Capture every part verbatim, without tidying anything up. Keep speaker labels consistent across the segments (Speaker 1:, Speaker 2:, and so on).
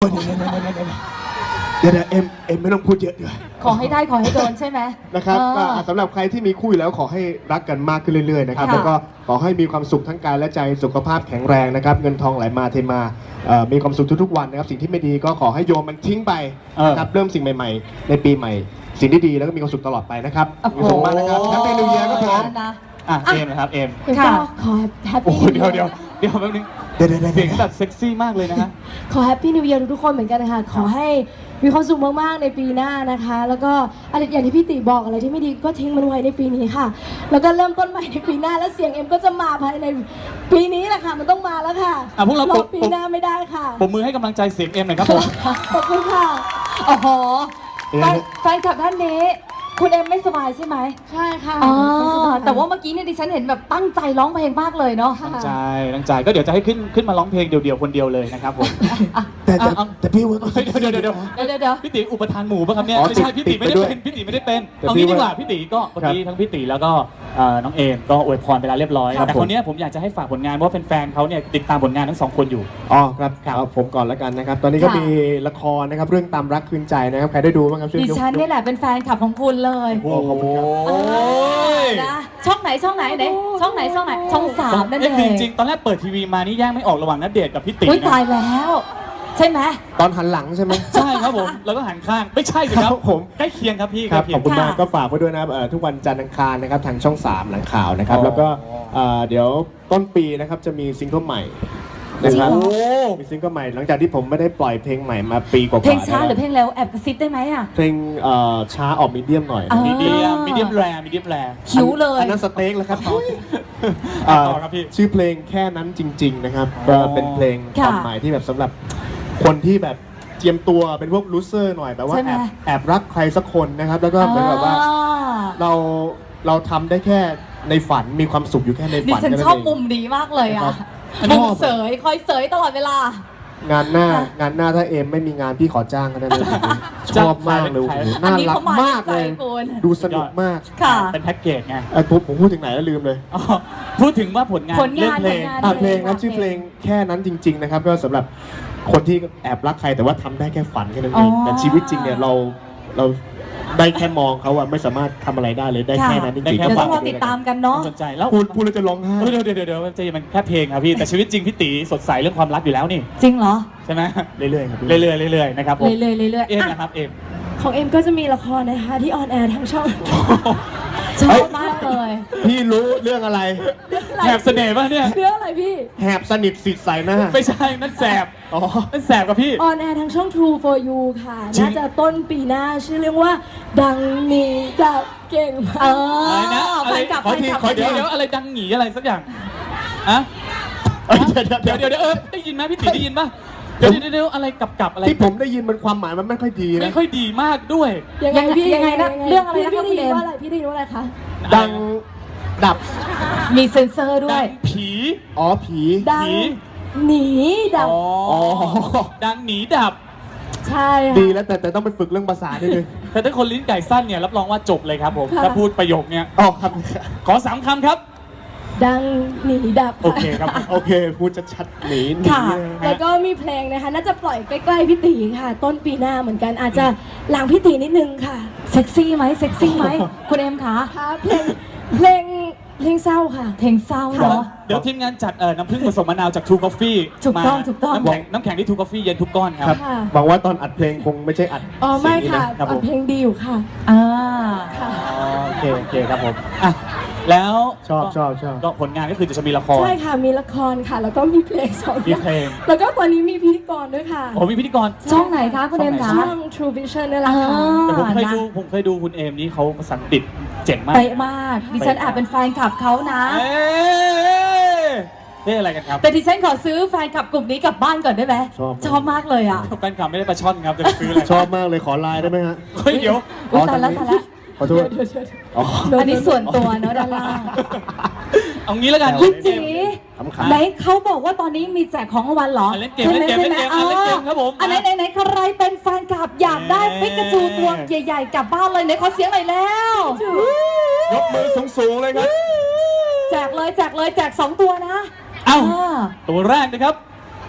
Speaker 1: เดี๋ยวเดี๋ยวเอ็มเอ็มไม่ต้องพูดเยอะดีกว่า
Speaker 2: ขอให้ได้ขอให้โดนใช่ไหม
Speaker 1: นะครับ
Speaker 2: เอ
Speaker 1: ก็
Speaker 2: อ
Speaker 1: สำหรับใครที่มีคู่อยู่แล้วขอให้รักกันมากขึ้นเรื่อยๆนะครับ
Speaker 2: ค่ะ
Speaker 1: แล้วก็ขอให้มีความสุขทั้งกายและใจสุขภาพแข็งแรงนะครับเงินทองไหลมาเทมาเอ่อมีความสุขทุกๆวันนะครับสิ่งที่ไม่ดีก็ขอให้โยมมันทิ้งไปนะครับเริ่มสิ่งใหม่ๆ ในปีใหม่ สิ่งที่ดีแล้วก็มีความสุขตลอดไปนะครับ
Speaker 2: โอ้โห
Speaker 1: มีความสุขมากนะครับแฮปปี้นิวเยียร์ครับผม
Speaker 2: นะ
Speaker 3: อ่ะเอมนะครับเอม
Speaker 2: ค่ะ
Speaker 4: ก็ขอแฮป
Speaker 3: โอ้
Speaker 4: ปี้
Speaker 3: โหเดี๋ยวเดี๋ยวเดี๋ยวแป๊บนึง
Speaker 1: เดี๋ยวเดี๋ยวเดี๋ยว
Speaker 3: เสียงแบบเซ็กซี่มากเลยนะฮะ
Speaker 4: ขอแฮปปี้นิวเยียร์ทุกๆคนเหมือนกันนะคะขอให้มีความสุขมากๆในปีหน้านะคะ แล้วก็อะไรอย่างที่พี่ติบอกอะไรที่ไม่ดีก็ทิ้งมันไว้ในปีนี้ค่ะ แล้วก็เริ่มต้นใหม่ในปีหน้าแล้วเสียงเอ็มก็จะมาภายในปีนี้แหละค่ะมันต้องมาแล้วค่ะ
Speaker 3: อ่ะพวกเรา
Speaker 4: ร
Speaker 3: ป
Speaker 4: อ
Speaker 3: รบ
Speaker 4: ปีหน้าไม่ได้ค่ะ
Speaker 3: ผมมือให้กำลังใจเสียงเอ็มหน่อยครับผม
Speaker 4: ขอบคุณค่ะ
Speaker 2: โอ้โหแฟนแฟนคลับท่านนี้คุณเอ็มไม่สบายใช่ไหม
Speaker 4: ใช่ค่ะ
Speaker 2: อ๋อ
Speaker 4: ไม่สบย
Speaker 2: แต่ว่าเมื่อกี้เนี่ยดิฉันเห็นแบบตั้งใจร้องเพลงมากเลยเนาะ
Speaker 3: ตั้งใจตั้งใจก็เดี๋ยวจะให้ขึ้นขึ้นมาร้องเพลงเดี่ยวๆคนเดียวเลยนะครับผม
Speaker 1: แต่แต่
Speaker 3: อ่ะ
Speaker 1: แต่พี่ว่าต้อง
Speaker 3: เดี๋ยวเดี๋ยวเดี๋ยว
Speaker 2: เดี๋ยวเดี๋ยวเดี๋ยว
Speaker 3: พี่ตีอุปทานหมู่ป่ะครับเนี่ย
Speaker 1: อ๋อ
Speaker 3: ไม่ใช่
Speaker 1: ติด
Speaker 3: พี่ตีไม่ได้
Speaker 1: ติดไปด้วย
Speaker 3: เป็นพี่ตีไม่ได้เป็น
Speaker 1: แต่
Speaker 3: เอา
Speaker 1: พี่
Speaker 3: งี้ดีกว่า
Speaker 1: ว่า
Speaker 3: พี่ตีก็เมื่อ
Speaker 1: ครับ
Speaker 3: กี้ทั้งพี่ตีแล้วก็เอ่อน้องเอมก็อวยพรไปแล้วเรียบร้อย
Speaker 1: ครับ
Speaker 3: แต่
Speaker 1: ผม
Speaker 3: คนเนี้ยผมอยากจะให้ฝากผลงานเพราะว่าแฟนๆเขาเนี่ยติดตามผลงานทั้งสองคนอยู่
Speaker 1: อ๋อครับ
Speaker 3: ครับ
Speaker 1: เอาผมก่อนแล้วกันนะครับ ตอนนี้ก็
Speaker 2: ค่ะ
Speaker 1: มีละครนะครับเรื่องตามรักคืนใจนะครับใครได้ดูบ้างครับช่วย
Speaker 2: ดิ
Speaker 1: ยก
Speaker 2: ฉันนี่แหละเป็นแฟนคลับของคุณเลย
Speaker 1: โอ้ขอบคุณครับ
Speaker 3: โอ้ย
Speaker 2: นะช่องไหนช่องไหนไหนช่องไหนช่องไหนช่องสามนั่นเอ
Speaker 3: เอ๊ะ
Speaker 2: ง
Speaker 3: จริงๆตอนแรกเปิดทีวีมานี่แยกไม่ออกระหว่างนัดเดทกับพี่ตี
Speaker 2: อุ้ย
Speaker 3: นะ
Speaker 2: ตายแล้ว ใช่ไหม
Speaker 1: ตอนหันหลังใช่ไหม
Speaker 3: ใช่ครับผมแล้วก็หันข้างไม่ใช่สิครับ
Speaker 1: ครับผม
Speaker 3: ใกล้เคียงครับพี่
Speaker 1: ครับ
Speaker 3: ใกล้
Speaker 1: ขอบ
Speaker 3: เคียง
Speaker 1: คุณมาก
Speaker 2: ค่ะ
Speaker 1: ก็ฝากไว้ด้วยนะครับเอ่อทุกวันจันทร์อังคารนะครับทางช่องสามหลังข่าวนะครับ
Speaker 3: อ๋อ
Speaker 1: แล้วก็เอ่อเดี๋ยวต้นปีนะครับจะมีซิงเกิลใหม่นะครับ
Speaker 2: จริงเหรอ
Speaker 1: มีซิงเกิลใหม่หลังจากที่ผมไม่ได้ปล่อยเพลงใหม่มาปีกว่าๆ
Speaker 2: เพลงช้าหรือ
Speaker 1: นะ
Speaker 2: เพลงเร็วแอบกระซิบได้ไหมอ่ะ
Speaker 1: เพลงเอ่อช้าออกมีเดียมหน่อย
Speaker 2: อ่า
Speaker 3: มีเดียมมีเดียมแรมีเดียมแร
Speaker 2: หิวเลย
Speaker 1: อันนั้นสเต็กแล้วครับ
Speaker 3: ต่อ
Speaker 1: เอ่อ
Speaker 3: ครับพี่
Speaker 1: ชื่อเพลงแค่นั้นจริง ๆ นะครับ
Speaker 3: อ๋
Speaker 1: ก็
Speaker 3: อ
Speaker 1: เป็นเพลง
Speaker 2: ค่ะ
Speaker 1: ความหมายที่แบบสำหรับคนที่แบบเจียมตัวเป็นพวกลูเซอร์หน่อยแบบว่า
Speaker 2: ใช่ไหม
Speaker 1: แอบแอบรักใครสักคนนะครับ แล้วก็เหมือนแบบว่า
Speaker 2: อ่า
Speaker 1: เราเราทำได้แค่ในฝันมีความสุขอยู่แค่ใน
Speaker 2: ดิ
Speaker 1: ฝัน
Speaker 2: ฉัน
Speaker 1: แค่
Speaker 2: ชอบ
Speaker 1: เง
Speaker 2: มุมดีมากเลยอ่ะ
Speaker 1: ครับ
Speaker 2: มุมเสยคอยเสยตลอดเวลา
Speaker 1: งานหน้า
Speaker 2: ค่ะ
Speaker 1: งานหน้าถ้าเอมไม่มีงานพี่ขอจ้างก็ได้เลยชอบมากเลยโอ้โห
Speaker 2: อัน
Speaker 1: น่า
Speaker 2: นี้
Speaker 1: รัก
Speaker 2: เขามาม
Speaker 1: ากเลย
Speaker 2: ใจคุณ
Speaker 1: ดูสนุกมาก
Speaker 2: ค่ะ
Speaker 3: เป็นแพ็กเกจไง
Speaker 1: ไอ้ผมผมพูดถึงไหนแล้วลืมเลย
Speaker 3: อ๋อพูดถึงว่าผลงาน
Speaker 2: ผลงาน
Speaker 3: เรื่องเพลง
Speaker 2: ผลงาน
Speaker 1: อ่ะเพลงนะชื่อเพลงแค่นั้นจริง ๆ นะครับ ก็สำหรับคนที่แอบรักใครแต่ว่าทำได้แค่ฝันแค่นั้นเอง
Speaker 2: อ๋อ
Speaker 1: แต่ชีวิตจริงเนี่ยเราเราได้แค่มองเขาอะไม่สามารถทำอะไรได้เลยได้แค่นั้นจ
Speaker 3: ได้
Speaker 1: ริงๆ
Speaker 3: แค่
Speaker 2: เดี๋ยว
Speaker 1: ก็
Speaker 2: ต้องรอติดตามกันเนาะ
Speaker 3: สนใจแล้ว
Speaker 1: พูดพูดแล้วจะร้องไห้
Speaker 3: เออเดี๋ยวเดี๋ยวเดี๋ยวเดี๋ยวจะมันแค่เพลงครับพี่แต่ชีวิตจริงพี่ตีสดใสเรื่องความรักอยู่แล้วนี่
Speaker 2: จริงเหรอ
Speaker 3: ใช่ไหม
Speaker 1: เรื่อยๆครับ
Speaker 3: เรื่อยๆเรื่อยๆนะครับผม
Speaker 2: เรื่อยๆเรื่อยๆ
Speaker 3: เอ็ม
Speaker 2: อ่ะ
Speaker 3: นะครับเอ็ม
Speaker 4: ของเอ็มก็จะมีละครนะคะที่ออนแอร์ทางช่อง
Speaker 2: ชอบมากเลย
Speaker 1: พี่รู้เรื่องอะไร
Speaker 3: แหบเสน่ห์ป่ะเนี่ย
Speaker 4: เรื่องอะไรพี่
Speaker 1: แหบสนิทสิทธิ์ใส่หน้า
Speaker 3: ไม่ใช่นั่นแสบ
Speaker 1: อ๋อ
Speaker 3: นั่นแสบกับพี่
Speaker 4: ออนแอร์ทางช่อง True for You ค่ะ
Speaker 3: จริง
Speaker 4: น่าจะต้นปีหน้าชื่อเรื่องว่า ดังนี้ดับเก่งมา
Speaker 2: เอก อ
Speaker 3: อะไรนะ
Speaker 2: แฟนคลับ
Speaker 3: ขอ
Speaker 2: แฟน
Speaker 3: ที
Speaker 2: คลับ
Speaker 3: ขอเดี๋ยว
Speaker 2: แฟนคลับ
Speaker 3: เดี๋ยวอะไรดังหงีอะไรสักอย่างอะ
Speaker 1: เอ้ยเดี๋ยว
Speaker 3: เดี๋
Speaker 1: เดี๋
Speaker 3: ย
Speaker 1: ยว ว
Speaker 3: เดี๋ยวเดี๋ยวเออได้ยินไหมพี่ตีได้ยินป่ะเดี๋ยวเดี๋ยวเดี๋ยวอะไรกับกับอะไร
Speaker 1: ที่ผมได้ยินมันความหมายมันไม่ค่อยดี
Speaker 3: ไม่
Speaker 1: นะ
Speaker 3: ค่อยดีมากด้วย
Speaker 4: ยังไงพี่
Speaker 2: ยังไงนะเรื่องอะไรนะ
Speaker 4: พี่
Speaker 2: คะ
Speaker 4: ได้ยิน
Speaker 2: คุณเอ็ม
Speaker 4: ว่าอะไรพี่ได้ยินว่าอะไรคะ
Speaker 1: ดังดับ
Speaker 2: มีเซ็นเซอร์ด้ว
Speaker 3: ดั
Speaker 2: ย
Speaker 3: งผี
Speaker 1: อ๋อผี
Speaker 4: ดัง
Speaker 3: ผี
Speaker 4: หนีดับ
Speaker 3: อ๋อ
Speaker 1: อ๋อ
Speaker 3: ดังหนีดับ
Speaker 4: ใช่
Speaker 1: ดี
Speaker 4: ค่ะ
Speaker 1: แล้วแต่แต่ต้องไปฝึกเรื่องภาษาด้วยนึง
Speaker 3: แต่ถ้าคนลิ้นไก่สั้นเนี่ยรับรองว่าจบเลยครับผม
Speaker 4: ค่ะ
Speaker 3: ถ้าพูดประโยคเนี้ย
Speaker 1: อ๋อครับ
Speaker 3: ขอสามคำครับ
Speaker 4: ดังหนีดับ
Speaker 3: โอเคครับ
Speaker 1: โอเคพูดชัดๆหนีหนี
Speaker 4: ค่ะ
Speaker 1: นะ
Speaker 4: แล้วก็มีเพลงนะคะ น่าจะปล่อยใกล้ๆพี่ตีค่ะ ต้นปีหน้าเหมือนกันอาจจะหลังพี่ตีนิดนึงค่ะ
Speaker 2: เซ็กซี่ไหมเซ็กซี่ไหมคุณเอ็มคะ
Speaker 4: ค่ะเพลงเพลงเพลงเศร้าค่ะ
Speaker 2: เพลงเศร้า
Speaker 3: เดี๋ยว
Speaker 2: เนาะ
Speaker 3: เดี๋ยวทีมงานจัดเอ่อน้ำผึ้งผสมมะนาวจาก True Coffee
Speaker 2: ถูกต้อง
Speaker 3: มา
Speaker 2: ถูกต้อง
Speaker 3: น้ำแข็งน้ำแข็งที่ True Coffee เย็นทุกก้อนค
Speaker 1: ครั
Speaker 3: รั
Speaker 1: บบ
Speaker 4: ค่ะ
Speaker 1: หวังว่าตอนอัดเพลงคงไม่ใช่อัด
Speaker 4: อ๋อไม่
Speaker 1: เสียงนี้
Speaker 4: ค่ะ
Speaker 1: นะครับ
Speaker 4: อั
Speaker 1: ผ
Speaker 4: ด
Speaker 1: ม
Speaker 4: เพลงดีอยู่ค่ะ
Speaker 2: อ่า
Speaker 4: ค่ะ
Speaker 3: อ๋อโอเคโอเคครับผมอ่ะแล้ว
Speaker 1: ชอบชอบชอบ
Speaker 3: ก็ผลงานก็คือจะมีละคร
Speaker 4: ใช่ค่ะมีละครค่ะ แล้วก็มีเพลงสอง
Speaker 3: มี
Speaker 4: อย่าง
Speaker 3: เพลง
Speaker 4: แล้วก็ตอนนี้มีพิธีกรด้วยค่ะ
Speaker 3: โอ้มีพิธีกร
Speaker 2: ช่องไหนคะคุณเอ็มคะ
Speaker 4: ช่อง True Vision นี่แหละค่ะ
Speaker 3: แต่ผมเคย
Speaker 2: นะ
Speaker 3: ดูผมเคยดูคุณเอมนี่เขาภาษาอังกฤษเจ๋งมาก
Speaker 2: เป๊ะมาก ดิฉันแอบเป็นแฟนคลับเขานะ
Speaker 3: เอ๊ะนี่อะไรกันครับ
Speaker 2: แต่ดิฉันขอซื้อแฟนคลับกลุ่มนี้กลับบ้านก่อนได้ไหม
Speaker 1: ชอบ
Speaker 2: ชอบมากเลยอ่ะ
Speaker 3: แฟนคลับไม่ได้ปลาช่อนครับจะไปซื้ออะไร
Speaker 1: ชอบมากเลยขอไลน์ได้ไหมฮะ
Speaker 3: เฮ้ยเดี๋ยว
Speaker 2: อุ๊ยตายแล้วตายแล้ว
Speaker 1: ขอโทษอ๋อ
Speaker 2: อันนี้ส่วนตัวเนอะด้านล่าง
Speaker 3: เอางี้แล้วกัน
Speaker 2: คุณจี
Speaker 1: ขำๆ
Speaker 2: ไหนเขาบอกว่าตอนนี้มีแจกของรางวัลเหรอ
Speaker 3: อ่ะเล่นเกมเล่นเกมเล่นเกมอ่ะเล่นเกมครับผม
Speaker 2: อันไหนไหนไหนใครเป็นแฟนคลับอยากได้
Speaker 3: เย้
Speaker 2: ปิกาจูตัวใหญ่ๆกลับบ้านเลยไหนขอเสียงหน่อยแล้ว
Speaker 1: ยกมือสูงๆเลยครับ
Speaker 2: แจกเลยแจกเลยแจกสองตัวนะ
Speaker 3: เอ้า
Speaker 2: อ่า
Speaker 3: ตัวแรกนะครับ ข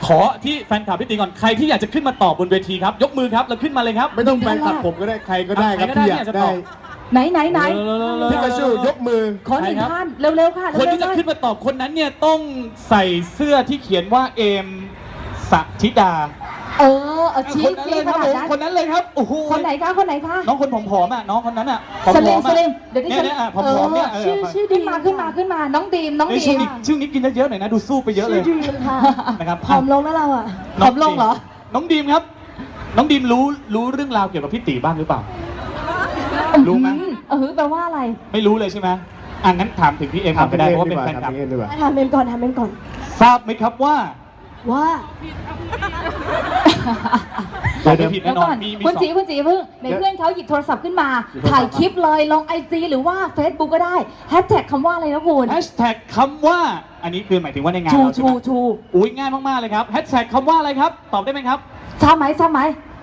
Speaker 3: ขอที่แฟนคลับพี่ตีก่อนใครที่อยากจะขึ้นมาตอบบนเวทีครับยกมือครับแล้วขึ้นมาเลยครับ
Speaker 1: ไม่ต้องแฟนคลับผมก็ได้ใครก็ได้ครับ
Speaker 3: ใครก็ได้
Speaker 1: ที่อยาก
Speaker 3: ที่อยากจะ
Speaker 1: ได้
Speaker 3: ตอบ
Speaker 2: ไหนไหนไหน
Speaker 1: พิกาชูยกมือ
Speaker 2: ขอหนึ่ง
Speaker 3: ใครครับ
Speaker 2: ท่านเร็วๆค่ะ
Speaker 3: คน
Speaker 2: เร็ว
Speaker 3: ที่
Speaker 2: ๆ
Speaker 3: จะ
Speaker 2: เลย
Speaker 3: ขึ้นมาตอบคนนั้นเนี่ยต้องใส่เสื้อที่เขียนว่าเอมสัธิดา
Speaker 2: เออเอาชี้
Speaker 3: คนนั้น
Speaker 2: ชี้
Speaker 3: เลย
Speaker 2: ข
Speaker 3: ครับ
Speaker 2: นา
Speaker 3: ผ
Speaker 2: ด
Speaker 3: ม
Speaker 2: นั้น
Speaker 3: คนนั้นเลยครับโอ้โห
Speaker 2: คนไหนคะคนไหนคะ
Speaker 3: น้องคนผอมๆอ่ะน้องคนนั้นอ่ะผอม
Speaker 2: ส
Speaker 3: ๆ
Speaker 2: ลิม
Speaker 3: อ่ะ
Speaker 2: สลิมเดี๋ยวดิ
Speaker 3: เนี่ย
Speaker 2: ฉัน
Speaker 3: เนี่ยอ่ะผอมๆเนี่ยเออ
Speaker 4: ชื่อชื่อดี
Speaker 2: ขึ้นมาขึ้นมาขึ้นมาน้องดีมน้อง
Speaker 3: เอ้ย
Speaker 2: ดี
Speaker 3: ช่วง
Speaker 2: ม
Speaker 3: นี้ช่วงนี้กินเยอะๆหน่อยนะดูสู้ไปเยอะเลย
Speaker 4: ชื่อดีมค่ะ
Speaker 3: นะครับ
Speaker 4: ผอมลงแล้วเราอ่ะ
Speaker 2: ผอมลงเหรอ
Speaker 3: น้องดีมครับ น้องดีมรู้รู้เรื่องราวเกี่ยวกับพี่ตีบ้างหรือเปล่า รู้ไหม
Speaker 2: อืเออแปลว่าอะไร
Speaker 3: ไม่รู้เลยใช่ไหมอ่ะงั้นถามถึงพี่เอ็มก่อนก็ได้เพราะว่าเป็นแฟนคลับ
Speaker 1: ถามพี่เอ็มดีกว่า
Speaker 4: ถามเมนก่อนถามเมนก่อน
Speaker 3: ทราบไหมครับว่า
Speaker 4: ว่า
Speaker 3: ตอบไม่ผิด
Speaker 2: แล้
Speaker 3: แน่
Speaker 2: วน
Speaker 3: อ
Speaker 2: ก่อน น
Speaker 3: มีมี
Speaker 2: คุณ
Speaker 3: สอ
Speaker 2: จี
Speaker 3: ง
Speaker 2: คุณจีเพิ่งในเพื่อนเขาหยิบโทรศัพท์ขึ้นมา ถ่ายคลิปเลยลงไอจีหรือว่า Facebook ก็ได้แฮชแท็กคำว่าอะไรนะคุณ
Speaker 3: แฮชแท็กคำว่า อันนี้คือหมายถึงว่าในงาน
Speaker 2: ชู
Speaker 3: เราใช่
Speaker 2: ชู
Speaker 3: ไหม
Speaker 2: ชู
Speaker 3: อุ้ยง่ายมากๆเลยครับแฮชแท็กคำว่าอะไรครับ ตอบได้ไหมครับ
Speaker 2: ทราบไหมทราบไหม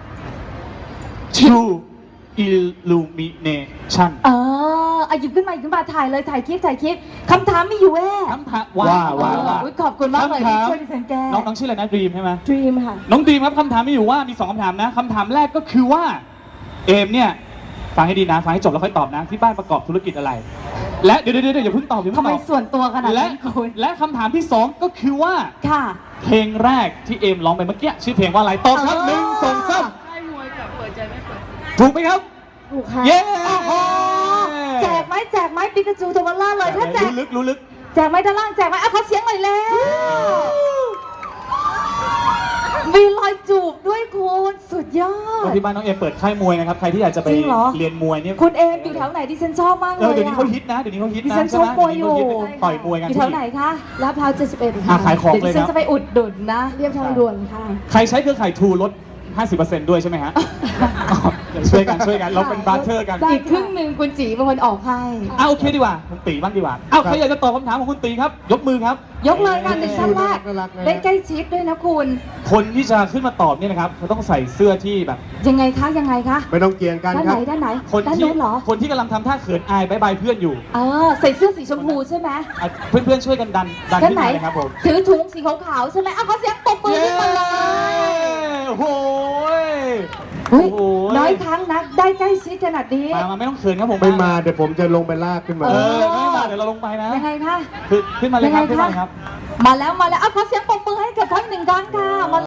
Speaker 3: True Illumination
Speaker 2: เออเอาหยิบขึ้นมาหยิบขึ้นมาถ่ายเลยถ่ายคลิปถ่ายคลิปคำถามมีอยู่แว่
Speaker 3: คำถามว่า
Speaker 1: ว่า
Speaker 3: ว่า
Speaker 2: อุ๊ยขอบคุณมากเลยที่ช่วยดิฉันแก้
Speaker 3: น้องน้องชื่ออะไรนะดีมใช่ไหม
Speaker 4: Dream ค่ะ
Speaker 3: น้องดีมครับคำถามมีอยู่ว่ามีสองคำถามนะคำถามแรกก็คือว่าเอมเนี่ยฟังให้ดีนะฟังให้จบแล้วค่อยตอบนะที่บ้านประกอบธุรกิจอะไร และเดี๋ยวเดี๋ยวเดี๋ยวอย่าเพิ่งตอบอย่า
Speaker 2: ทำ
Speaker 3: เพิ่ง
Speaker 2: ไม
Speaker 3: ตอบ
Speaker 2: ส่วนตัวขนาด
Speaker 3: และ
Speaker 2: นั้นคุณ
Speaker 3: และคำถามที่สองก็คือว่า
Speaker 2: ค่ะ
Speaker 3: เพลงแรกที่เอมร้องไปเมื่อกี้ชื่อเพลงว่าอะไรตอบครับหนึ่งสองสามถูกไหมครับ
Speaker 4: ถูกค่ะ
Speaker 3: เย้
Speaker 2: โอ้โหแจกไหมแจกไหมปิกาจูตัวเบลล่าเลยถ้าแจก
Speaker 3: รู้ลึกรู้ลึก
Speaker 2: แจกไหมด้านล่างแจกไหมเอาขอเสียงหน่อยแล้วมีรอยจูบด้วยคุณสุดยอด
Speaker 3: ที่บ้านน้องเอมเปิดค่ายมวยนะครับใครที่อยากจะไป
Speaker 2: จริงเหรอ
Speaker 3: เรียนมวยเนี่ย
Speaker 2: คุณเอมอยู่แถวไหนดิฉันชอบมากเล
Speaker 3: เออย เดี๋ยวนี้
Speaker 2: อะ
Speaker 3: เขาฮิตนะเดี๋ยวนี้เขาฮิต
Speaker 2: ดิ
Speaker 3: นะ
Speaker 2: ฉันช
Speaker 3: ใช่
Speaker 2: ก
Speaker 3: ไหม
Speaker 2: มวยอยู่
Speaker 3: เดี๋วนี้เขาฮิตต่อยมวยกัน
Speaker 2: อยู่แถวไหนคะ
Speaker 4: ลาดพร้าวเจ็ดสิบเอ็ด
Speaker 3: อ่ะ
Speaker 4: ค่ะ
Speaker 3: ขายของ
Speaker 2: เดี๋ยว
Speaker 3: เล
Speaker 2: ดิ
Speaker 3: ย
Speaker 2: ฉัน
Speaker 3: นะ
Speaker 2: จะไปอุดหนุนนะ
Speaker 4: เรียบทางด่วนค่ะ
Speaker 3: ใครใช้เครือข่ายทูลด ห้าสิบเปอร์เซ็นต์ ด้วยใช่ไหมฮะ ช่วยกันช่วยกันเราเป็นบาร์เทอร์กัน
Speaker 4: ได้
Speaker 2: อีกครึ่งหนึ่งคุณจีเป็นคนออกให้
Speaker 3: อ่ะโอเคดีกว่าคุณตีบ้างดีกว่าอ้าวใครอยากจะตอบคำถามของคุณตีครับ ยกมือครับ
Speaker 2: ยกเลยค่ะหนึ่งท่านแรก
Speaker 1: น่ารักนะ
Speaker 2: ได้ใกล้ชิดด้วยนะคุณ
Speaker 3: คนที่จะขึ้นมาตอบเนี่ยนะครับเขาต้องใส่เสื้อที่แบบ
Speaker 2: ยังไงคะยังไงคะ
Speaker 1: ไม่ต้องเกี่ยงกัน
Speaker 2: ด้าน
Speaker 1: ค
Speaker 2: ไห
Speaker 1: รั
Speaker 2: น
Speaker 1: บ
Speaker 2: ด้านไหน
Speaker 3: คน
Speaker 2: ด้าน
Speaker 3: ที่
Speaker 2: นู้นเหรอ
Speaker 3: คนที่กำลังทำท่าเขินอายบายบายเพื่อนอยู่
Speaker 2: เออใส่เสื้อสีชมพูใช่ไหม
Speaker 3: อ่ะเพื่อนๆช่วยกันดันดัน
Speaker 2: ด้าน
Speaker 3: ขึ้น
Speaker 2: ไหน
Speaker 3: มาเลยครับผม
Speaker 2: ถือถุงสีขาวๆใช่ไหมอ่ะขอเสียงปรบมือขึ้นมาเลย
Speaker 3: โอ้โห
Speaker 2: เฮ้ย
Speaker 3: โอ้โห
Speaker 2: น้อยครั้งนะได้ใกล้ชิดขนาดนี้
Speaker 3: มามาไม่ต้องเขินครับผม
Speaker 1: ไม่มาเดี๋ยวผมจะลงไปลากขึ้นมา
Speaker 3: เออไม่มาเดี๋ยวเราลงไปนะ
Speaker 2: ยังไงคะ
Speaker 3: คือขึ้นมาเลยครับ
Speaker 2: ยังไง
Speaker 3: ขึ้นมาเลย
Speaker 2: คะ
Speaker 3: ครับ
Speaker 2: มาแล้วมาแล้วอ่ะขอเสียงปรบมือให้กับทั้งหนึ่งครั้งค่ะมา